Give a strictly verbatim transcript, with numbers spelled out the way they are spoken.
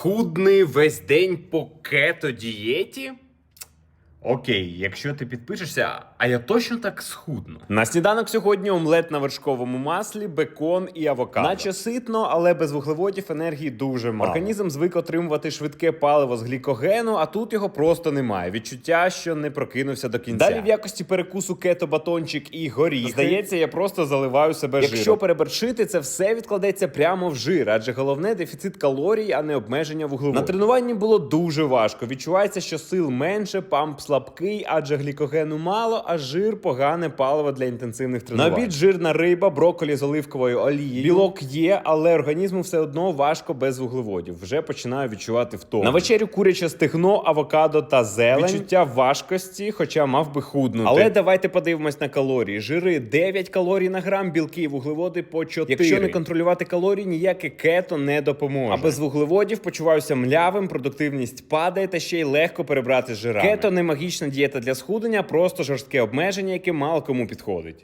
Худний весь день по кето-дієті? Окей, якщо ти підпишешся, а я точно так схудну. На сніданок сьогодні омлет на вершковому маслі, бекон і авокадо. Наче ситно, але без вуглеводів енергії дуже мало. Організм звик отримувати швидке паливо з глікогену, а тут його просто немає. Відчуття, що не прокинувся до кінця. Далі в якості перекусу кето-батончик і горіхи. Здається, я просто заливаю себе жиром. Якщо переборщити, це все відкладеться прямо в жир, адже головне дефіцит калорій, а не обмеження вуглеводів. На тренуванні було дуже важко. Відчувається, що сил менше, памп слабкий, адже глікогену мало, а жир – погане паливо для інтенсивних тренувань. На обід жирна риба, брокколі з оливковою олією. Білок є, але організму все одно важко без вуглеводів. Вже починаю відчувати втому. На вечерю куряче стегно, авокадо та зелень. Відчуття важкості, хоча мав би худнути. Але давайте подивимось на калорії. Жири дев'ять калорій на грам, білки і вуглеводи по чотири. Якщо не контролювати калорії, ніяке кето не допоможе. А без вуглеводів почуваюся млявим, продуктивність падає та ще й легко перебрати з жирами. Кето не магічна дієта для схуднення, просто жорстке обмеження, яке мало кому підходить.